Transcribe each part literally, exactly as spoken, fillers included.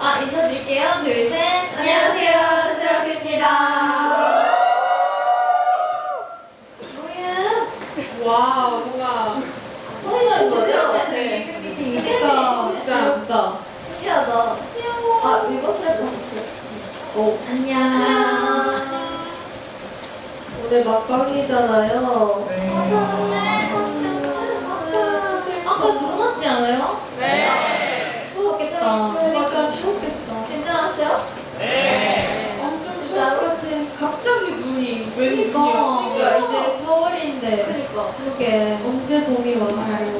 아, 인사드릴게요. 둘, 셋. 안녕하세요, 르세라핌입니다. 뭐야? 와우, 뭔가 소리가 진짜 네. 되게 진짜 진짜 귀엽다. 신기하다. 아, 리버스 할 뻔했어요. 오. 안녕. 오늘 막방이잖아요. 아까 눈 왔지 않아요? 네. 추웠겠다. 그러니까 추웠겠다. 괜찮았어요? 네. 엄청 추웠을 것 같아. 갑자기 눈이 왜 그러니까. 눈이야? 그러니까 이제 서울인데 그니까. 그러게. 언제 봄이 와?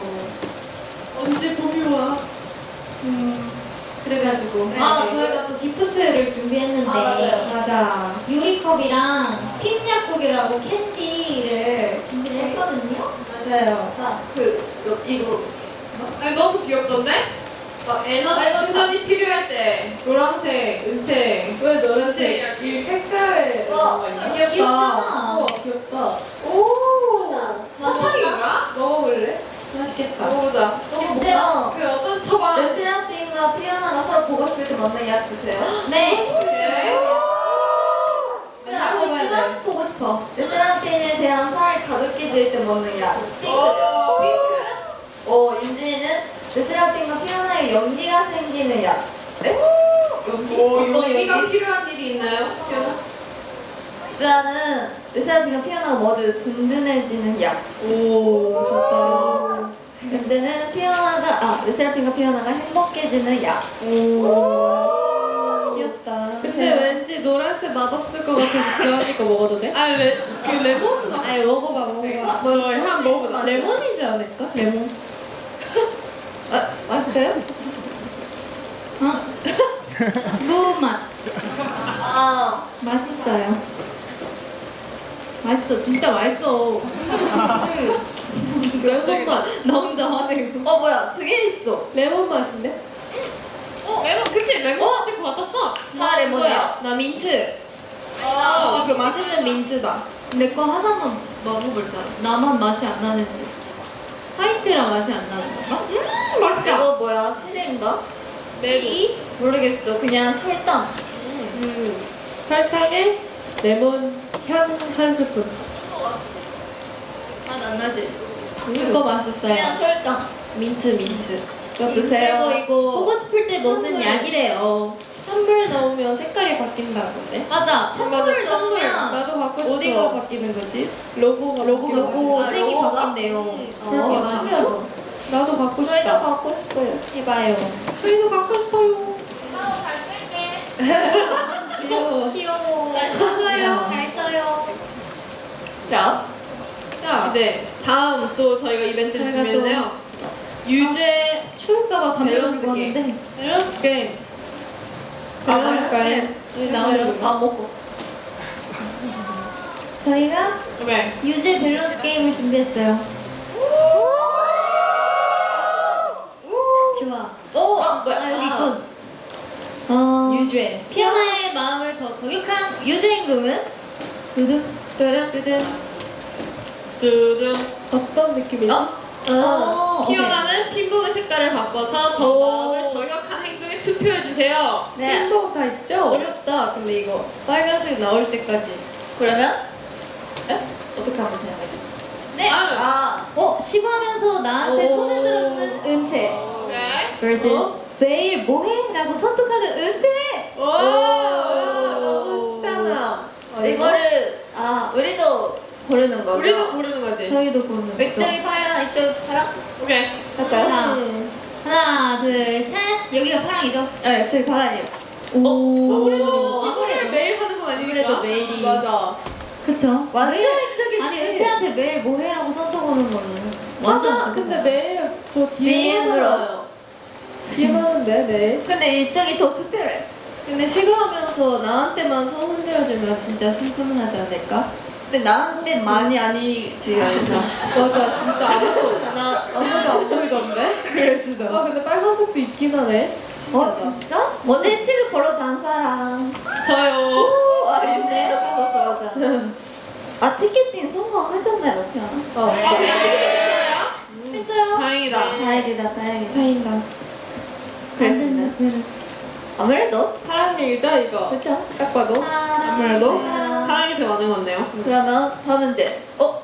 언제 봄이 와? 음, 그래가지고. 네. 아, 저희가 또 기프트를 준비했는데. 아, 맞아요. 맞아. 유리컵이랑 핀 약국이라고 캔디를 준비를 했거든요. 맞아요. 자, 그 너, 이거 아니 너무 귀엽던데? 막 에너지 에너지 충전이 필요할 때 노란색, 은색. 왜 노란색? 이 이 색깔에 어, 뭐가 있나? 귀엽다. 귀엽잖아. 우와 귀엽다. 오. 맞아. 사탕인가? 먹어볼래? 맛있겠다. 먹어보자. 이제요. 그 어떤 초밥? 레스라핌과 피어나가 서로 보고 싶을 때 먹는 약 드세요. 네. 네. 그래, 알고 있지만 보고 싶어. 레스라핌에 대한 사랑이 가볍게 질 때 먹는 약. 오, 핑크. 어, 윤지는 레스라핌과 피어나의 연기가 생기는 약. 네? 연기? 오, 어떤 용기가 연기? 필요한 일이 있나요? 피어나? 주아는 레스라핌과 피어나가 모두 든든해지는 약. 오 좋다. 현재는 피어나가 아 레스라핌과 피어나가 행복해지는 약. 오 귀엽다. 근데 드세요. 왠지 노란색 맛없을 것 같아서 지원이 거 먹어도 돼? 아, 레, 그 레몬? 아니 먹어봐 먹어봐. 뭐, 향 먹어보자. 레몬이지 않을까? 레몬. 아, 맛있어요? 어? 무맛. 아, 맛있어요. 맛있어. 진짜 맛있어. 레몬 맛. 나 혼자 화내고. 어, 뭐야. 두 개 있어. 레몬 맛인데? 어, 레몬, 그치? 레몬 맛일 것 같았어. 다 레몬이야. 나 민트. 아, 그 맛있는 민트다. 내 거 하나만 먹어볼 사람. 나만 맛이 안 나는지. 화이트랑 맛이 안 나는 건가? 음, 맛있다. 이거 뭐야? 체리인가? 메리? 모르겠어. 그냥 설탕. 음, 설탕에 레몬 향 한 스푼. 맛 안 나지? 그거 맛있어요. 그냥 설탕. 민트 민트. 이거 드세요. 그리고 이거 보고 싶을 때 먹는 찬물. 약이래요. 찬물 넣으면 색깔이 바뀐다던데? 맞아. 찬물을 맞아, 찬물. 넣으면 나도 갖고 싶어. 어디가 바뀌는 거지? 로고가 로고 바뀌는 색이 로고가? 바뀐대요. 음. 그렇게 어, 많죠? 나도 갖고 저희도 싶다. 갖고 싶어요. 해봐요. 저희도 갖고 싶어요. 귀여워. 귀여워. 잘 써요. 잘 써요. 자, 야, 이제 다음 또 저희가 이벤트를 저희가 준비했는데요. 유죄 추울까봐 담배 밸런스 들고 게임. 왔는데 밸런스 게임. 아, 해볼까요? 네. 여기 나오는 거. 안 먹고. 저희가 네. 유제 밸런스 게임을 준비했어요. 좋아. 오! 아, 뭐야? 여기 있군. 어, 유죄. 피어나의 마음을 더 저격한 유제 행동은 두둥 뜨든 뜨든. 두둥. 어떤 느낌이지? 어? 어, 피어나는 핀부분 색깔을 바꿔서 더 오. 마음을 저격한 행동에 투표해주세요. 네. 햄버거 다 있죠? 어렵다. 근데 이거 빨간색 나올 때까지. 그러면 어떻게 하면 되는 거지? 네. 아. 아, 어 시구하면서 나한테 오. 손을 들어주는 은채 네. vs 어? 매일 뭐해?라고 선택하는 은채. 오. 너무 쉽잖아. 어, 이거를 아 우리도 고르는 거죠. 우리도 고르는 거지. 저희도 고르는 거죠. 이쪽이 파랑, 이쪽 파랑. 오케이. 할까요? 자, 음. 하나, 둘, 셋. 여기가 파랑이죠? 네, 저희 바란이요. 아, 우리도 오. 시구를 매일 하는 건 아니니까. 그래도 매일이. 맞아. 그쵸? 완전 이쪽이지. 아니 은채한테 매일 뭐해라고 선택하는 거는 완전 맞아. 근데 매일 저 뒤에 디엠으로. 하잖아요. 뒤에 하는데 매일. 근데 이쪽이 더 특별해. 근데 시구하면서 나한테만 손 흔들어주면 진짜 심쿵하지 않을까? 근데 나한테 많이 아니지 않나? 맞아, 진짜 아무도 나 아무도 안 보이던데? 그랬어. 아 근데 빨간색도 있긴 하네. 어 진짜? 어제 시를 보러 간 사람. 저요. 아 윤재이도 받았어 맞아. 아 티켓팅 성공하셨나요, 피아노? 어. 아, 그냥 티켓팅 했어요? 했어요. 다행이다. 다행이다, 다행이다. 다행이다. 그랬습니다. 아 그래? 또? 사랑 얘기죠 이거. 그쵸? 딱 봐도. 아무래도 사랑. 사랑이 더 많은 것 같네요. 그러면 다음 문제. 어?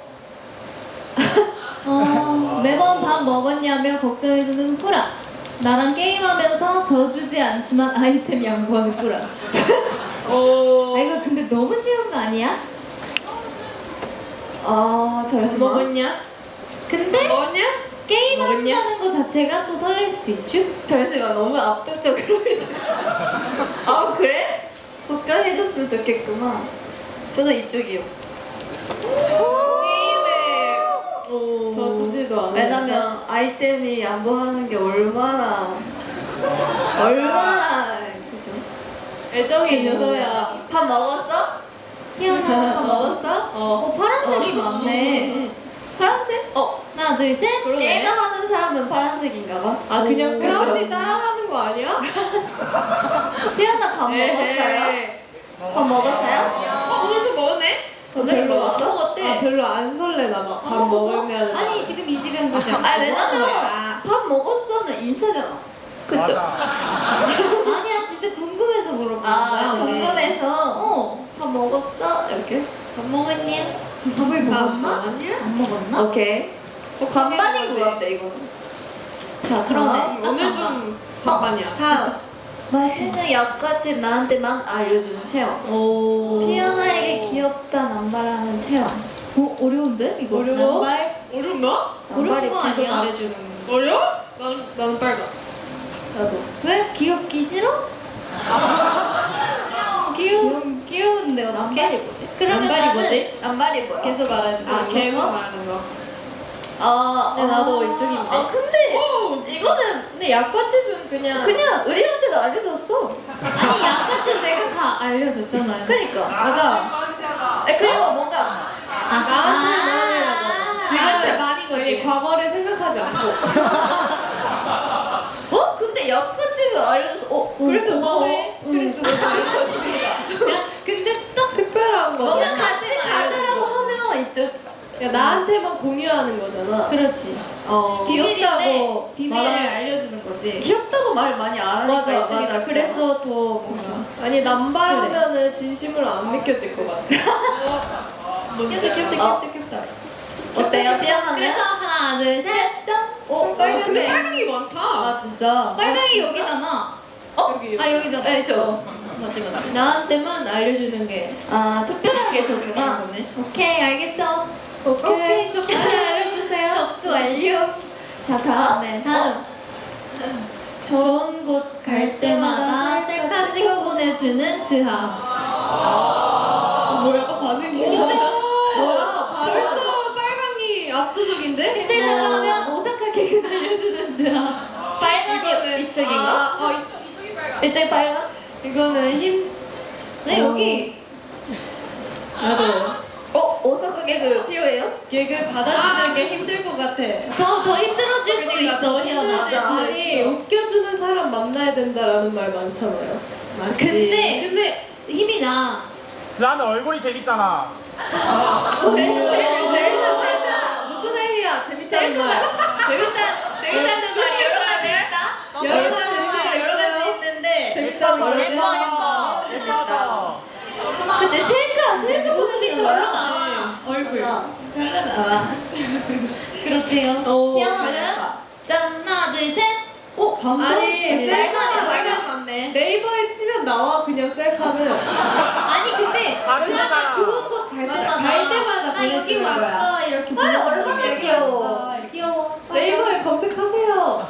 어, 매번 밥 먹었냐며 걱정해주는 꾸라. 나랑 게임하면서 져주지 않지만 아이템 양보하는 꾸라. 오. 아 이거 근데 너무 쉬운 거 아니야? 아 잠시만. 먹었냐? 근데 뭐냐? 게임한다는 거 자체가 또 설렐 수도 있죠? 잠시만 너무 압도적으로 해줘. 아 그래? 걱정해줬으면 좋겠구만. 저는 이쪽이요. 게임에. 오. 져주지도 않아. 왜냐면 아이템이 양보하는 게 얼마나 얼마나 그죠? 애정이 있어야. 밥 먹었어? 태어나 밥 먹었어? 어. 어 파란색이 많네. 파란색? 어 하나 둘 셋. 그러네. 게임을 하는 사람은 파란색인가 봐. 아 그냥 오, 크라운이 그죠? 따라가는 거 아니야? 태연아 밥 먹었어요? 에헤이. 밥 먹었어요? 어 오늘 좀 먹었네? 오늘 별로 먹었어? 안 먹었대. 아, 별로 안 설레나 봐. 밥 먹으면. 아니 지금 이 시간 거지. 아 왜냐면 거야. 밥 먹었어는 인사잖아. 그쵸? 아니야 진짜 궁금해서 물어본 거야. 아 우리. 궁금해서 어. 밥 먹었어? 이렇게? 밥 먹었니? 밥을 밥 먹었나? 먹었냐? 안 먹었나? 오케이. 반반인 것 같아 이거는. 자 그러네. 다음. 오늘 좀 반반이야. 다음. 맛있는 약까지 나한테만 알려주는 체험. 오. 피아나에게 귀엽다 남발하는 체험. 어 어려운데 이거? 어려워? 남발? 어렵나? 어려운 거 계속 아니야? 말해주는. 어려워? 난, 나는 빨강. 나도. 왜 귀엽기 싫어? 귀여 귀여운데 어떻게? 남발이 뭐지? 그러면 남발이 나는 뭐지? 남발이 뭐야? 계속 말해주세요. 아, 계속 말하는 거. 아, 네, 나도 아, 이쪽인데. 아 근데 오! 이거는 근데 약과집은 그냥 그냥 우리한테도 알려줬어. 아니 약과집 내가 다 알려줬잖아요. 그니까. 맞아. 에 그리고 뭔가 아, 나한테 아, 나한테 많이 거지. 과거를 생각하지 않고. 어 근데 약까지는 알려줘서 어 그래서 고마워. 뭐해? 응. 그래서 뭐 야, 근데 또 특별한 뭔가 거잖아. 같이 가자라고 하면 있죠. 야, 나한테만 공유하는 거잖아. 그렇지. 어 비밀인데 비밀을 말하- 알려주는 거지. 귀엽다고 말 많이 안 하니까 맞아, 이쪽이 맞아. 낫지 그래서 않아? 더 뭔가. 아니, 남발하면은 진심으로 안 느껴질 것 같아. 뭔지 귀엽다, 귀엽다, 어. 귀엽다, 귀엽다. 어때요 피아노는? 그래서 하나, 둘, 셋, 짠. 어 빨간색. 근데 빨간색. 빨강이 많다. 아 진짜? 빨강이 여기잖아. 여기. 아 여기잖아. 네, 저. 맞지 맞지. 나한테만 알려주는 게. 아 특별하게 적구나. 거네. 오케이 알겠어. 오케이. 접수 알려주세요. 접수 완료. 자 다음. 네 다음. 좋은 곳 갈 때마다 셀카 찍어 보내주는 지하. 뭐야, 반응이. 오, 벌써 빨강이 압도적인데? 힘들다고 하면 오사카 개그 알려주는 지하. 빨간이 이쪽인가? 아, 어, 이쪽, 이쪽이 빨강. 이쪽이 빨간? 이거는 힘. 네 어. 여기. 나도. 어 오사카 개그 필요해요? 개그 받아주는 게 힘들 것 같아. 더 더 힘들어질 수도 그러니까 있어 더 태어나. 힘들어질 수도 아니, 웃겨주는 사람 만나야 된다라는 말 많잖아요. 맞지? 근데 근데 힘이 나. 지아는 얼굴이 재밌잖아. 그래서 제일 제일 최자 무슨 의미야? 재밌다는 말. 재밌다 재밌다는 말이 여러 가지 있다. 여러 가지 의미가 여러 가지 있어요. 있는데 재밌다는 말. 예뻐 예뻐 재밌어서. 그치 셀카 셀카 모습이 보시는 절로 거야? 나와. 얼굴. 잘 나와. 그렇대요. 오, 피아노는 잘했다. 짠 하나 둘 셋. 어, 반반? 셀카는 아니, 셀카는 빨간 빨간 맞네. 네이버에 치면 나와 그냥 셀카는. 아니 근데 다른 지아가 거잖아. 좋은 곳 갈 맞아, 때마다 갈 때마다 나 여기 보내주는 왔어 거야. 이렇게 아니, 보내주는 얼마나 거야. 귀여워. 귀여워. 맞아. 네이버에 검색하세요.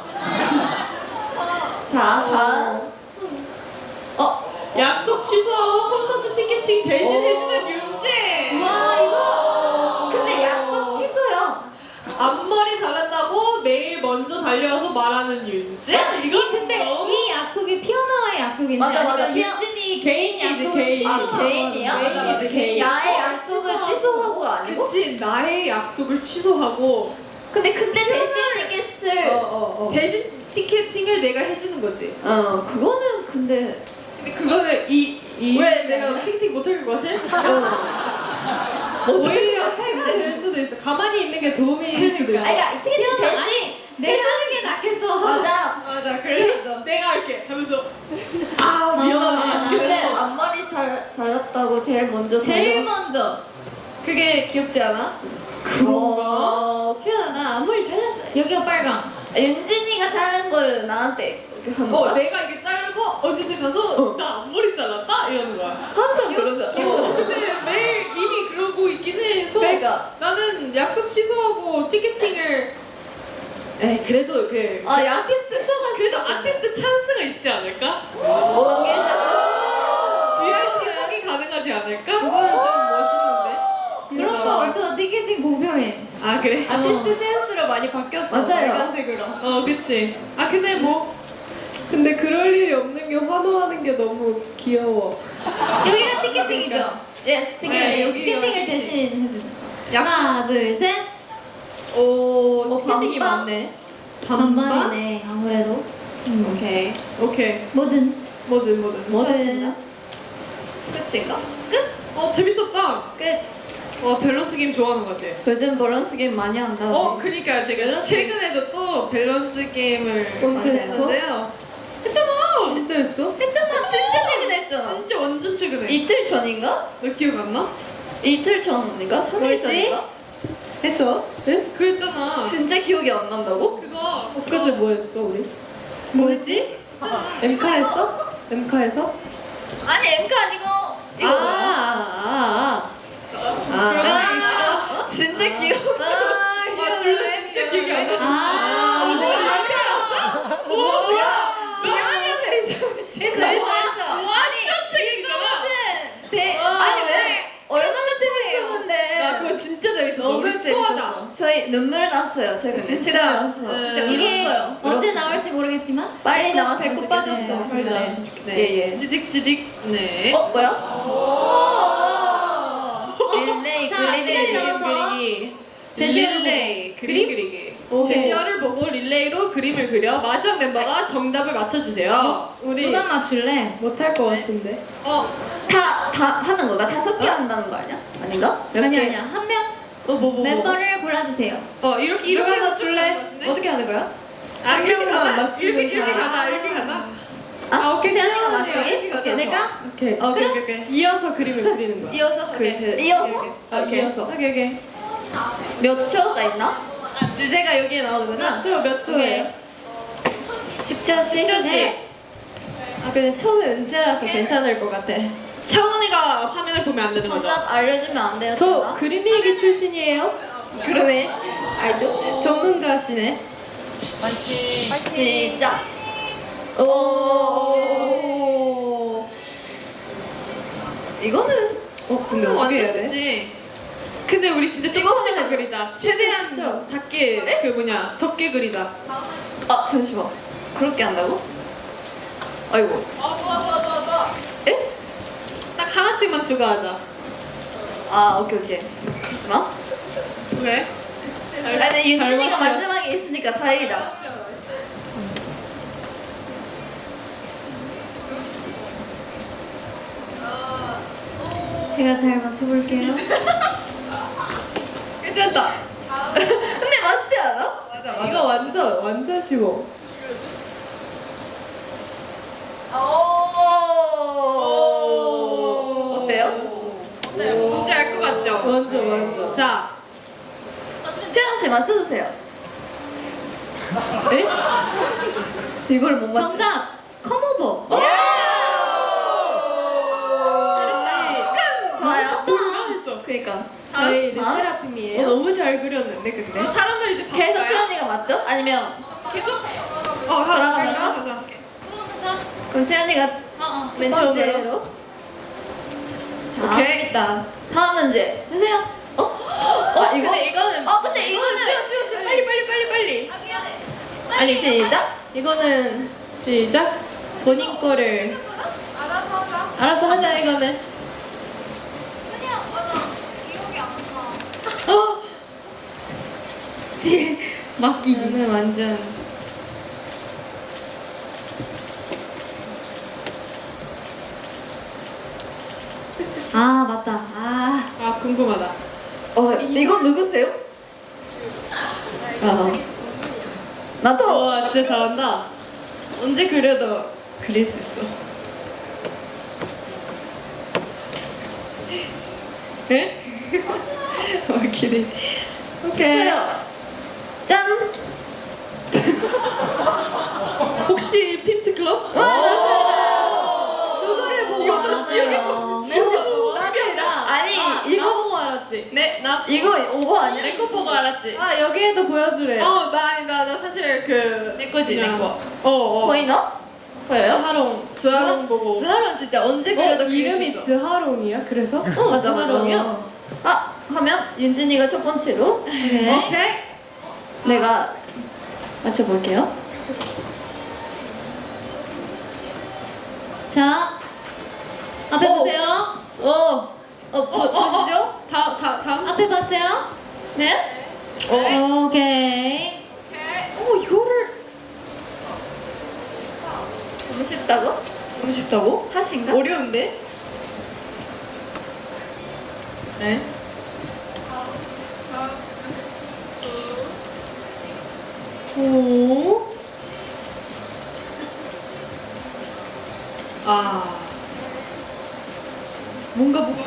자 다음. 어 약속 취소하고 콘서트 티켓팅 대신 오. 해주는 윤재. 와 이거 근데 약속 취소야. 앞머리 잘랐다고 내일 먼저 달려와서 말하는 윤재? 이건 근데 너무 이 약속이 피어나와의 약속인지 맞아, 맞아. 아니면 피어- 유진이 개인이지, 약속을 개인. 아, 취소하고 개인이야? 맞아, 맞아, 개인. 나의 약속을 취소하고가 아니고? 그치, 나의 약속을 취소하고 근데 근데 대신 티켓을 어, 어, 어. 대신 티켓팅을 내가 해주는 거지. 어 그거는 근데 근데 그거는 이, 이 왜 내가 티켓팅 못할 것 같아? 오히려 해가 될 수도 있어. 가만히 있는 게 도움이 될 수도 있어. 아니 그러니까 티켓 대신 내주는 게 낫겠어. 맞아. 맞아, 그래서 내가 할게 하면서 아 미안 잘 잘했다고 제일 먼저 제일 달려- 먼저. 그게 귀엽지 않아? 어, 표현아 아무리 잘했어. 여기가 빨강. 윤진이가 자른 걸 나한테 이렇게 하는 어 거야? 내가 이게 자르고 언니한테 가서 어. 나 앞머리 잘랐다 이러는 거야. 항상 그러잖아. 어, 근데 매일 이미 그러고 있긴 해서 그러니까. 나는 약속 취소하고 티켓팅을 에이 그래도 그 아, 아티스트 써가지고. 그래도 아티스트 찬스가 있지 않을까? 어, 괜찮았어. 브이아이피석이 가능하지 않을까? 그거는 좀 멋있는데. 그래서- 그런 거 벌써 티켓팅 공평해. 아 그래? 아티스트 센스로 많이 바뀌었어. 맞아요. 빨간색으로. 어 그치. 아 근데 뭐 근데 그럴 일이 없는 게 환호하는 게 너무 귀여워. 여기가 티켓팅이죠? 예스, 티켓. 네, 여기가 티켓팅을 티켓팅. 대신 해주죠. 약속. 하나, 둘, 셋. 오, 어, 티켓팅이 반반? 많네. 반반이네, 아무래도. 오케이. 오케이. 뭐든. 뭐든 뭐든. 뭐든. 끝인가? 어 재밌었다. 끝. 와 밸런스 게임 좋아하는 것 같아. 요즘 밸런스 게임 많이 한다. 어 그니까 제가 최근에도 또 밸런스 게임을 언제 많이 했어? 했는데요. 했잖아. 진짜 했어? 했잖아. 진짜 최근에 했잖아. 진짜 완전 최근에. 이틀 전인가? 너 기억 안 나? 이틀 전인가? 삼 일 뭐였지? 전인가? 했어? 응? 그 했잖아. 진짜 기억이 안 난다고? 그거. 엊그제 뭐 했어, 우리? 뭐였지? 했잖아. 엠카 했어? 엠카에서? 아니 엠카 아니고 아, 이거 아, 아, 아. 아, 진짜 기억. 아, 둘 다 진짜 기억이 안 나. 아, 이거 진짜 알았어? 오 뭐야? 기억력을 잊어버렸지. 했어, 했어. 완전 최근이잖아. 대, 아니 왜? 얼마나 재밌었는데. 나 그거 진짜 재밌었어. 너무 우리 또 재밌었어. 하자. 저희 눈물 났어요 최근에. 진짜? 났어. 네. 이게 울었어요. 언제 나올지 모르겠지만 빨리 나왔으면 배꼽 좋겠어요. 빠졌어. 빨리 네. 나왔으면 좋겠다. 네. 예, 예. 지직지직. 네. 어 뭐야? 릴레이 자, 그리기, 시간이 그리기, 남아서. 그리기. 릴레이 그림 그리기. 오케이. 제시어를 보고 릴레이로 그림을 그려 마지막 멤버가 정답을 맞춰주세요. 우리 누가 맞출래? 못할 것 같은데. 어, 다, 다 하는 거가 다섯 개 한다는 거 아니야? 아닌가? 몇 아니 개? 아니야. 한 명 어, 뭐, 뭐, 뭐. 멤버를 골라주세요. 어 이렇게 이렇게 누가 해서 맞출래? 같은데? 어떻게 하는 거야? 아 한 이렇게 명만 가자. 맞추는 이렇게 이렇게 사람. 가자. 이렇게 가자. 아, 오케이. 채연이가 채연이가 맞추기? 이렇게 가자. 내가? 오케이. 어, 오케이, 오케이, 오케이. 이어서 그림을 그리는 거야. 이어서 그 오케이. 제, 이어서? 오케이, 오케이. 아, 오케이. 이어서. 오케이, 오케이. 몇 초가 있나? 주제가 여기에 나오는구나. 몇 초, 몇 초예요? 십 초씩? 십 초씩. 네. 아, 근데 처음에 은재라서 괜찮을 것 같아. 채원이가 화면을 보면 안 되는 거죠? 정답 알려주면 안 돼요? 저 정답? 그림 일기 출신이에요. 그러네. 알죠? 전문가시네. 시작! 오. 이거는 어, 근데 이거 어떻게 완전 해야 돼? 쉽지. 근데 우리 진짜 조금씩만 그리자. 최대한 쉽죠? 작게 그 뭐냐 적게 그리자. 아 잠시만 그렇게 한다고? 아이고 아 좋아 좋아 좋아 좋아. 에? 딱 하나씩만 추가하자. 아 오케이 오케이 잠시만 왜? 아니 근데 윤진이가 닮았어요. 마지막에 있으니까 다행이다 제가 잘 맞춰볼게요. 괜찮다. 근데 맞지 않아? 맞아 맞아. 이거 완전 완전 쉬워. 오 어때요? 네, 뭔지 알 것 같죠? 완전 완전. 자, 채연 씨 맞춰주세요 에? 이걸 못 맞춰 정답! 컴오버! 좋아요 몰라 했어. 그니까 저희 아? 르세라핌이에요. 어, 너무 잘 그렸는데 근데. 너 사람을 이제 그래서 바꿔요? 채연이가 맞죠? 아니면 계속? 어, 가, 돌아가면서? 가, 가, 가. 그럼 채연이가 어, 어. 맨 처음으로? 번째로 자 오케이. 일단. 다음 문제 주세요 어? 어? 아 이거? 근데 이거는 어 근데 이거는 쉬워, 쉬워, 쉬워. 빨리, 빨리, 빨리, 빨리. 아니 시작 이거는 시작. 본인 거를 알아서 하자 이거는. 어. 맡기기. 이거는 완전. 아, 맞다. 아. 아, 궁금하다. 어 이건 누구세요? 어. 나도 와 진짜 잘한다. 언제 그려도 그릴 수 있어. 네? 오케이. 오케이. 했어요. 짠. 혹시 핀츠 클럽? 누구를 보고 이거 나 지옥에 맞아요. 지옥에서 보고 알았다. 아니 나 이거 보고 알았지. 네, 나 이거 오버 아니야? 내 거 보고 알았지. 아 여기에도 보여주래. 어, 나 아니 나, 나 사실 그 내 거지 내 거. 어, 어. 보이나? 보여요? 스하롱, 스하롱 보고. 스하론 진짜 언제 어, 그려도 그릴 이름이 수 있어. 즈하롱이야? 그래서? 어 맞아 맞아. 스하롱이야? 아 하면 윤진이가 첫 번째로 네. 오케이. 내가 맞춰볼게요. 자, 앞에 오. 보세요. 어, 어, 보, 어, 보시죠? 다음, 다음, 다음. 앞에 봤어요? 네? 어. 오케이. 어, 이거를 너무 쉽다고? 너무 쉽다고? 하신가? 어려운데? 네. 오. 아. 뭔가 보고.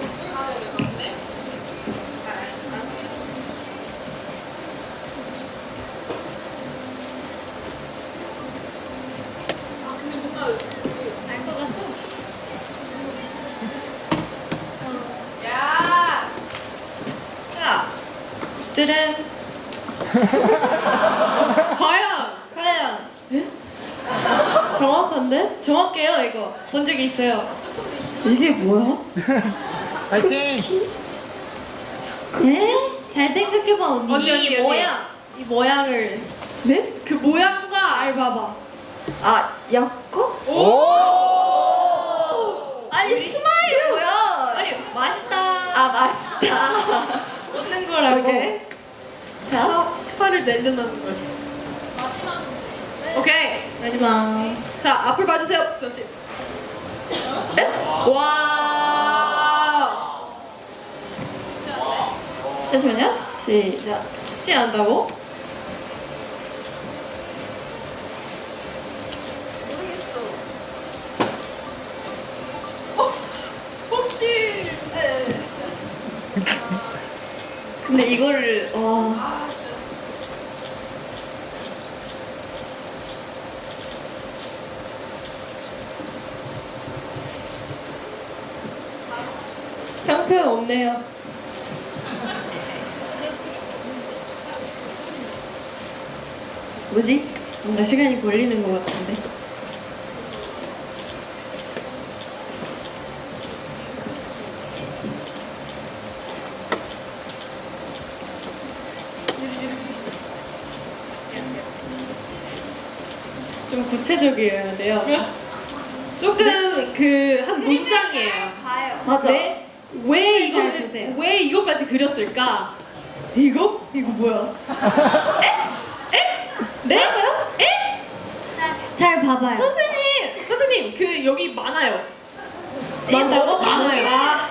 알 것 같아. 자, 찌른. 과연, 과연. 예? 정확한데? 정확해요 이거. 본 적이 있어요. 이게 뭐야? 파이팅! 네? 잘 생각해봐 언니. 언니 언니 이 모양. 모양. 이 모양을. 네? 그 모양과 알 봐봐. 아 약거? 오! 아니 스마일 뭐야? 아니 맛있다. 아 맛있다. 먹는 거라고. 오케이. 자 파, 파를 내려놓는 거였어. 마지막. 오케이. 마지막. 자 앞을 봐주세요. 조심. 와. 잠시만요. 시작. 쉽지 않다고? 어, 혹시 근데 이거를 와. 형편 없네요. 뭐지? 뭔가 시간이 걸리는 것 같은데. 좀 구체적이어야 돼요. 조금 그 한 문장이에요. 맞아. 네? 왜 잘 이거 보세요. 왜 이거까지 그렸을까? 이거? 이거 뭐야? 에? 에? 네? 에? 잘 봐봐요. 선생님! 선생님, 그 여기 많아요. 많다고? 많아요. 아.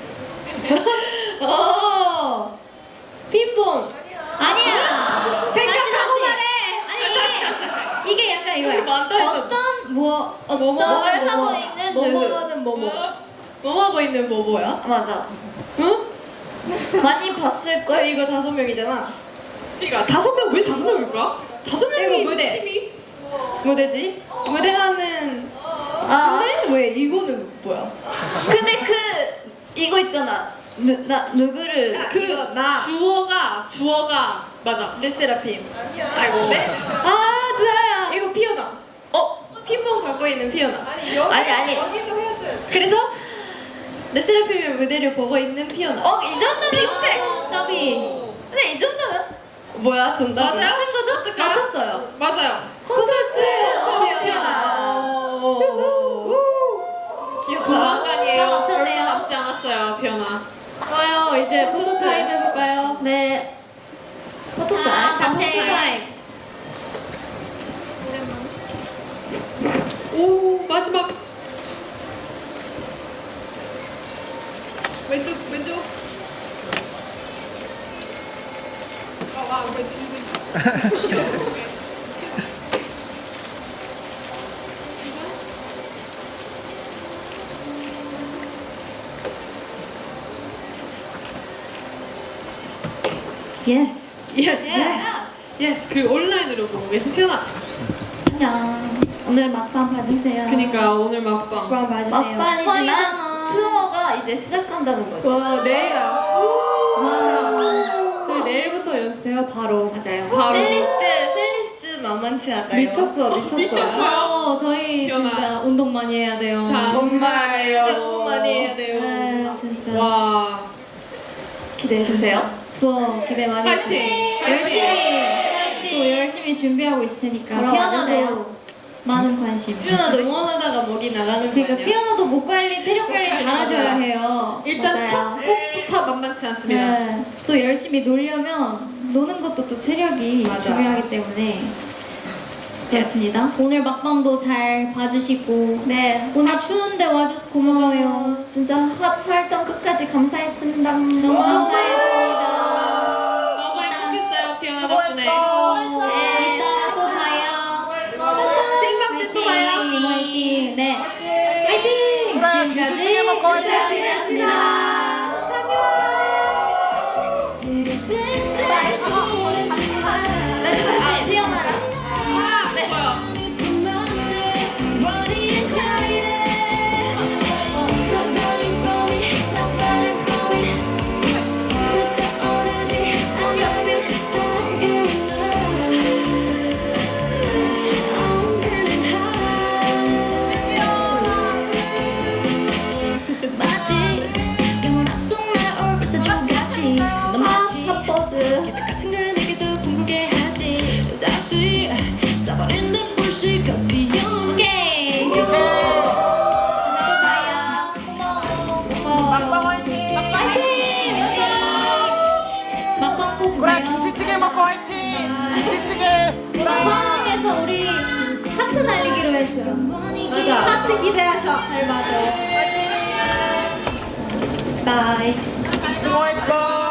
어. 핀봉. 아니야. 생각하고 말해. 아니 다시, 다시, 다시. 이게 약간 이거야. 많다 했잖아. 어떤 무엇 어떤 뭐뭐 걸 뭐뭐. 하고 있는 뭐뭐 누구. 하는 뭐뭐. 뭐 하고 있는 뭐 뭐야? 맞아. 응? 많이 봤을 거 걸. 이거 다섯 명이잖아. 그러니까 다섯 명 왜 다섯 명일까? 다섯 명이 이거 있는 무대. 팀이 무대지? 무대하는. 아. 근데 왜 이거는 뭐야? 근데 그 이거 있잖아. 누, 나 누구를 그 주어가 주어가 맞아. 르세라핌. 아이고. 네? 아 드아야. 이거 피오나. 어? 핀봉 갖고 있는 피오나. 아니 아니. 그래서 르세라핌의 무대를 보고 있는 피오나. 어 이 정도면 비슷해. 더비. 근데 이 정도면 뭐야 정답? 맞아요? 맞춘 거죠? 어떡하? 맞췄어요. 맞아요. 콘서트. 콘서트 피오나. 오. 귀엽다. 조만간이에요. 다 맞췄네요. 얼마 남지 않았어요 피오나. 좋아요. 이제 포토 타임 해볼까요? 네. 포토 자, 타임. 단체. 포토 타임. 오 마지막. 왼쪽 왼쪽. 아와 왼쪽. 예스. 예스 예스 그리고 온라인으로 보고 계신 태연아. 안녕. 오늘 막방 봐주세요. 그니까 오늘 막방. 막판이지만 투어가 이제 시작한다는 거죠. 와 내일 아 와. 저희 내일부터 연습해요 바로. 맞아요. 바로. 셀리스트 셀리스트 만만치 않아요. 미쳤어 미쳤어. 미쳤어요. 어, 저희 태연아. 진짜 운동 많이 해야 돼요. 정말요. 너무 많이 해야 돼요. 네, 진짜. 와. 기대해 주세요. 투어 기대 많이 파이팅! 해주세요. 열심히 또 열심히 준비하고 있을 테니까 보러 와주세요. 피아노도 많은 관심. 피아노도 응원하다가 목이 나가는 거 그러니까 아니야? 피아노도 목 관리, 체력 관리 잘하셔야 해요. 일단 맞아요. 첫 곡부터 만만치 않습니다. 네. 또 열심히 놀려면 노는 것도 또 체력이 맞아. 중요하기 때문에 그렇습니다. 오늘 막방도 잘 봐주시고 네. 오늘 추운데 와줘서 고마워요. 진짜 핫 활동 끝까지 감사했습니다. 너무 감사했습니다. 너무 행복했어요 피아노 덕분에. 네, 이따 또 봐요. 생방 때 또 봐요. 화이팅! 화이팅! 네. 화이팅! 지금까지 감사합니다. 아, 피어나라. 아 좋아요. 핫 버즈. 같은 걸 내게 더 궁금게 하지 다시 짜버린 듯 불씨 커피 오케이. 또 봐요. 고마워. 막방 화이팅! 막방 꼭 그래 봐요. 김치찌개 먹고 화이팅! 김치찌개! 막방에서 우리 하트 날리기로 했어요. 맞아. 하트 기대하셔. 잘 맞아. 바이. 수고했어!